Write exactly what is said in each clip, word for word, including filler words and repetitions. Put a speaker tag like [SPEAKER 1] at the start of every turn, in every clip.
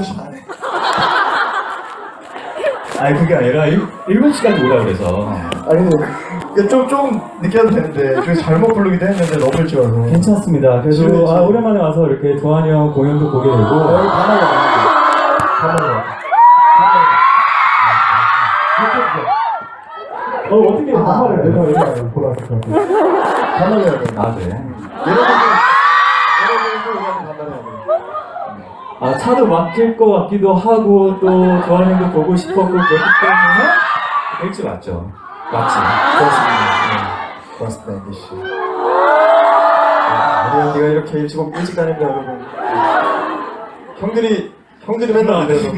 [SPEAKER 1] 조심 안 해.
[SPEAKER 2] 아니 그게 아니라 일, 일곱 시까지 오라 그래서.
[SPEAKER 1] 아니 근데 좀, 좀 늦게 와도 되는데 저희 잘못 부르기도 했는데 너무 일찍 와서.
[SPEAKER 2] 괜찮습니다. 그래도
[SPEAKER 1] 지금,
[SPEAKER 2] 아, 오랜만에 와서 이렇게 도환이 형 공연도 보게 되고.
[SPEAKER 1] 여기 반말이 안 반말이
[SPEAKER 2] 어 어떻게 반말을 내가 왜 보러 왔을 것 같아.
[SPEAKER 1] 반말이 해야 돼.
[SPEAKER 2] 아 그래?
[SPEAKER 1] 여러분들 여러분들 우리한테 반말해야 돼.
[SPEAKER 2] 아 차도 막힐 것 같기도 하고 또 도환이 형도 보고 싶었고 그렇기 때문에 일찍 왔죠. 맞지?
[SPEAKER 1] 고맙습니다. 고맙습니다, 앤디 씨. 우리 앤디가 이렇게 일찍 오고 일찍 다닙니다, 여러분. 형들이 형들이 맨날 안 돼서.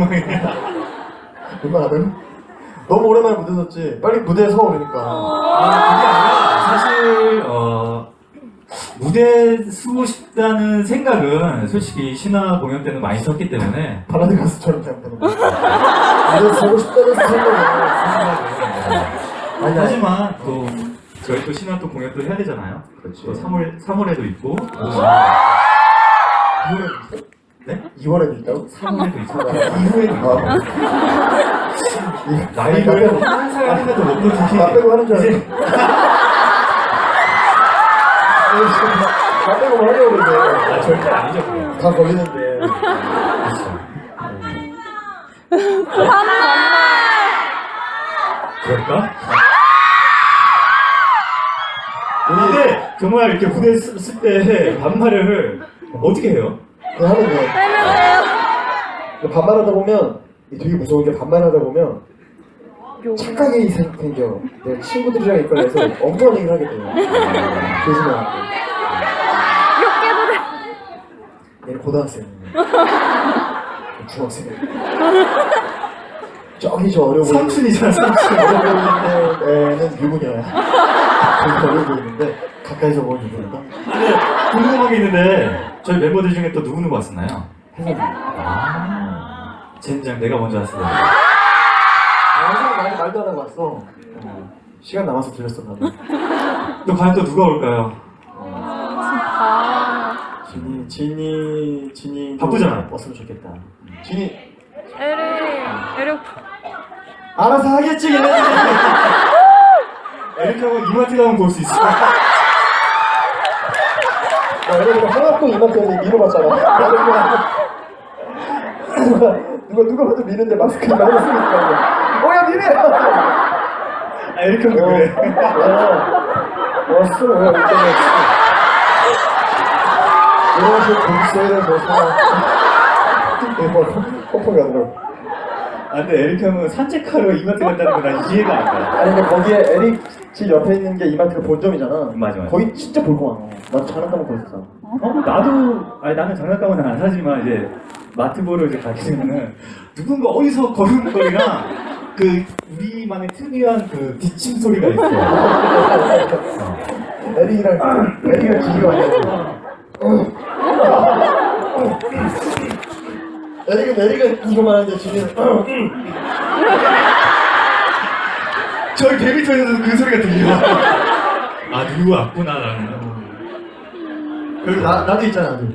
[SPEAKER 1] 얼마나 너무 오랜만에 무대 섰지. 빨리 무대에 서 오르니까.
[SPEAKER 2] 아 그게 아니라 사실 어 무대 서고 싶다는 생각은 솔직히 신화 공연 때는 많이 섰기 때문에
[SPEAKER 1] 바라드 가수처럼 생각되는 거야. 무대에 서고 싶다는 생각을. 아니,
[SPEAKER 2] 하지만 또 저희 또 신화 또 공연 또 해야 되잖아요.
[SPEAKER 1] 그렇지.
[SPEAKER 2] 또 삼월 삼월에도 있고
[SPEAKER 1] 이월에도 있어?
[SPEAKER 2] 네?
[SPEAKER 1] 이월에도 있다고?
[SPEAKER 2] 삼월에도 있고 이후에도 있고
[SPEAKER 1] 아,
[SPEAKER 2] 나이를 한 살 한살도 못 보지.
[SPEAKER 1] 나 빼고 하는 줄 알았어. 나 빼고 뭐 하려고 그러는데.
[SPEAKER 2] 아 절대 아니죠. 그거.
[SPEAKER 1] 다 걸리는데.
[SPEAKER 2] 그럴까? 근데 정말 이렇게 무대 쓸 때 반말을 어떻게 해요?
[SPEAKER 1] 그거 하면 돼. 근데 반말하다 보면 되게 무서운 게 반말하다 보면 착각이 생- 생겨. 내가 친구들이랑 이끌려서 엉뚱한 얘기를 하게 돼요. 조심해야 돼. 얘는 고등학생이에요. 중학생이에요. 저기 저 어려 보이는
[SPEAKER 2] 삼촌이잖아 삼촌.
[SPEAKER 1] 어려 보이는 애는 유부녀야. 되게 어려 보이는데 가까이서 보면 유부녀다.
[SPEAKER 2] 근데 궁금한 게 있는데 저희 멤버들 중에 또 누구 누구 왔었나요?
[SPEAKER 1] 해석이.
[SPEAKER 2] 아 젠장 내가 먼저 왔어요.
[SPEAKER 1] 항상 많이 말도 안 하고 왔어. 어, 시간 남아서 들렸어 나도.
[SPEAKER 2] 또 과연 또 누가 올까요?
[SPEAKER 1] 진이 진이 진이
[SPEAKER 2] 바쁘잖아.
[SPEAKER 1] 왔으면 좋겠다. 진이
[SPEAKER 3] 에리, 에리 오빠.
[SPEAKER 1] 알아서 하겠지 걔네.
[SPEAKER 2] 에릭 형은 이마트 가면 볼 수 있어.
[SPEAKER 1] 나 여러분 하나도 이만큼 밀어봤잖아. 누가 누가 누가 봐도 미는데 마스크 이만 했으니까. 어야 미네.
[SPEAKER 2] 아, 에릭 형도 그래.
[SPEAKER 1] 어, 왔어. 왜 이렇게 이런 식으로 돈 써야 돼서 뭐 펑펑 가더라고.
[SPEAKER 2] 아 근데 에릭 형은 산책하러 이마트 간다는 거 난 이해가 안 가.
[SPEAKER 1] 아니 근데 거기에 에릭 집 옆에 있는 게 이마트가 본점이잖아.
[SPEAKER 2] 맞아, 맞아.
[SPEAKER 1] 거기 진짜 볼 거 많아. 나도 장난감은 거기 있어.
[SPEAKER 2] 어? 나도 아니 나는 장난감은 안 사지만 이제 마트 보러 이제 가게 되면은 누군가 어디서 걸음걸이랑 그 우리만의 특이한 그 기침 소리가 있어.
[SPEAKER 1] 에릭이랑 에릭이랑 지기가 아니야. 에릭은 에릭은 이거만 하는데 지기는
[SPEAKER 2] 저희 데뷔터에서도 그 소리가 들려. 아 누구 왔구나 나는.
[SPEAKER 1] 그리고 나 나도 있잖아. 나도.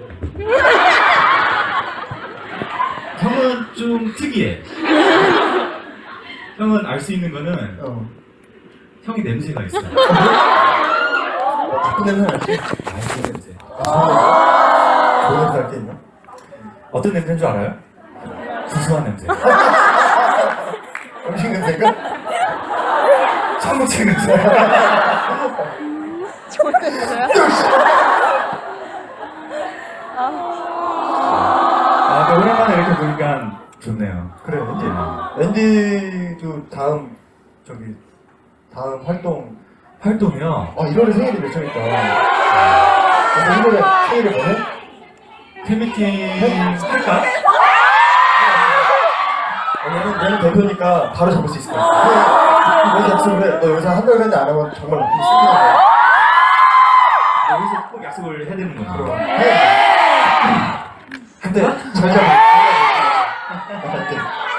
[SPEAKER 2] 형은 좀 특이해. 형은 알 수 있는 거는
[SPEAKER 1] 어.
[SPEAKER 2] 형이 냄새가 있어.
[SPEAKER 1] 자꾸 냄새 나지?
[SPEAKER 2] 알수 냄새.
[SPEAKER 1] 좋은 냄새 할 게 있나?
[SPEAKER 2] 어떤 냄새인 줄 알아요? 구수한 냄새.
[SPEAKER 1] 음식 냄새인가?
[SPEAKER 2] 청국장 냄새.
[SPEAKER 3] 좋은 냄새야?
[SPEAKER 2] 아, 근데 오랜만에 이렇게 보니까 좋네요.
[SPEAKER 1] 그래 앤디. 앤디도 다음 저기 다음 활동.
[SPEAKER 2] 활동이요.
[SPEAKER 1] 아 일월에 생일이 몇 장일까? 그래서 일월에 생일을 뭐해?
[SPEAKER 2] 팬미팅 할까?
[SPEAKER 1] 왜냐면 얘는 대표니까 바로 잡을 수 있을 것 같아. 왜 약속을 해? 너 여기서 한 달 전에 안 하면 정말 나쁜 쓰기는 거야.
[SPEAKER 2] 여기서 꼭 약속을 해야 되는 거죠.
[SPEAKER 1] 해. 근데 잘 잡아. 할 때.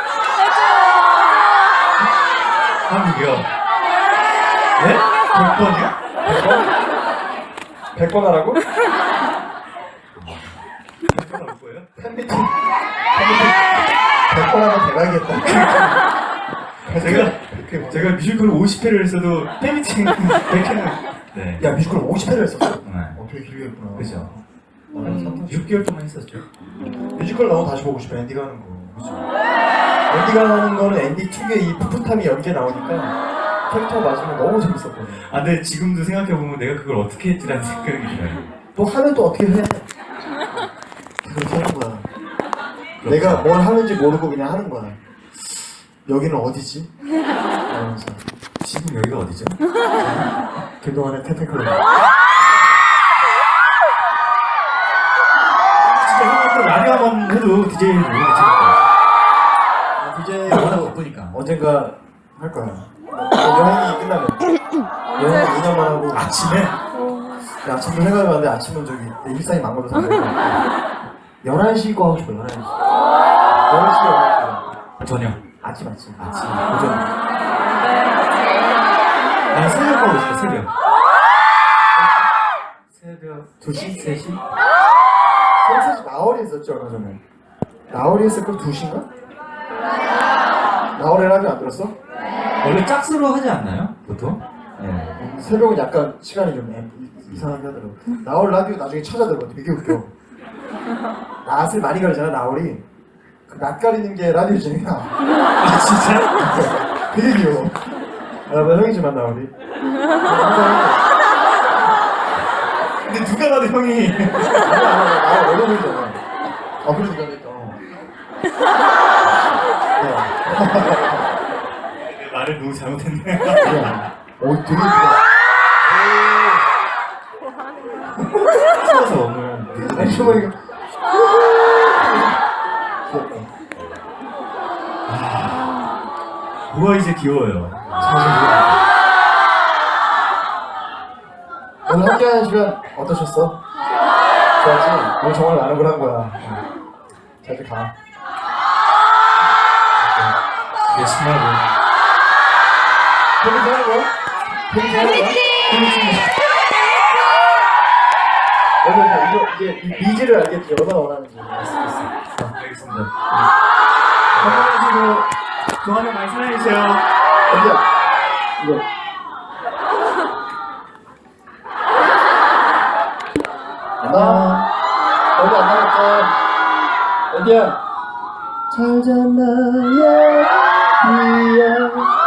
[SPEAKER 2] 한국이요. 네? 백 번이요?
[SPEAKER 1] 백 번 하라고?
[SPEAKER 2] 백 번 할 거예요?
[SPEAKER 1] 팬미팅. 팬미팅. 백 번 하면 대박이겠다.
[SPEAKER 2] 제가 그 제가 뮤지컬 오십 회를 했어도 팬미팅 백 회는 네.
[SPEAKER 1] 야 뮤지컬 오십 회를 했었어?
[SPEAKER 2] 네.
[SPEAKER 1] 어 되게 길게 했구나.
[SPEAKER 2] 그죠.
[SPEAKER 1] 음,
[SPEAKER 2] 육 개월 동안 했었죠.
[SPEAKER 1] 뮤지컬 나오면 다시 보고 싶어. 앤디가 하는 거. 그죠. 앤디가 하는 거는 앤디 특유의 이 풋풋함이 연기에 나오니까 캐릭터 맞으면 너무 재밌었거든.
[SPEAKER 2] 아 근데 지금도 생각해보면 내가 그걸 어떻게 했지라는 생각이 들어요.
[SPEAKER 1] 또 하면 또 어떻게 해? 그렇게 하는 거야. 내가 뭘 하는지 모르고 그냥 하는 거야. 여기는 어디지? 이러면서
[SPEAKER 2] 지금 여기가 어디죠?
[SPEAKER 1] 그동안의 테테클럽.
[SPEAKER 2] 진짜 형은 또 라디오 한번 해도 디제이를 너무 괜찮을
[SPEAKER 1] 이제
[SPEAKER 2] 것 같아요. 바쁘니까.
[SPEAKER 1] 언젠가 할 거야. 여행이 끝나면 여행 이 년만 하고
[SPEAKER 2] 아침에?
[SPEAKER 1] 야, 아침도 생각해봤는데 아침은 저기 내 일상이 망가져서 열한 시 거 하고 싶어. 열한 시 열한 시 열한 시
[SPEAKER 2] 저녁.
[SPEAKER 1] 아침 아침
[SPEAKER 2] 아침.
[SPEAKER 1] 오전.
[SPEAKER 2] 난 새벽 가고 싶어, 새벽. 새벽
[SPEAKER 1] 두 시?
[SPEAKER 2] 세 시?
[SPEAKER 1] 저는 사실 나월이 했었죠 얼마 전에. 나월이 했을 걸 두 시인가? 나월에 라디오 안 들었어?
[SPEAKER 2] 원래 짝수로 하지 않나요? 보통? 네.
[SPEAKER 1] 새벽은 약간 시간이 좀 애- 이- 이상하게 하더라고. 나월 라디오 나중에 찾아들어. 되게 웃겨. 낯을 많이 가리잖아 나월이. 그 낯 가리는 게 라디오 진행이야.
[SPEAKER 2] 아 진짜?
[SPEAKER 1] 되게 귀여워. 아, 나 형이지만 나월이.
[SPEAKER 2] 근데 누가 봐도 형이
[SPEAKER 1] 아니 아니 나월 어려 보이잖아. 아 그래도 내가 그랬다. 네.
[SPEAKER 2] 말을 너무 잘못했네.
[SPEAKER 1] 오 되게 이쁘다.
[SPEAKER 2] 추워서 오늘
[SPEAKER 1] 아니 정말 이거.
[SPEAKER 2] 뭐가 이제 귀여워요.
[SPEAKER 1] 오늘 함께하는 시간 어떠셨어? 좋았지? 오늘 정말 많은 걸 한 거야. 자 이제 가.
[SPEAKER 2] 열심히 하고.
[SPEAKER 1] 재밌게 하는 거야? 재밌게 하는 거야? 재밌게. 여러분 이거 이제 이 비지를 알겠지? 얼마나 원하는지.
[SPEAKER 2] 알겠습니다. 건강하시고 좋아하는 많이 사랑해주세요.
[SPEAKER 1] 언제야? 이거. 안녕. 얼마 안 남았다. 어디야? 잘 잤나요? 이야.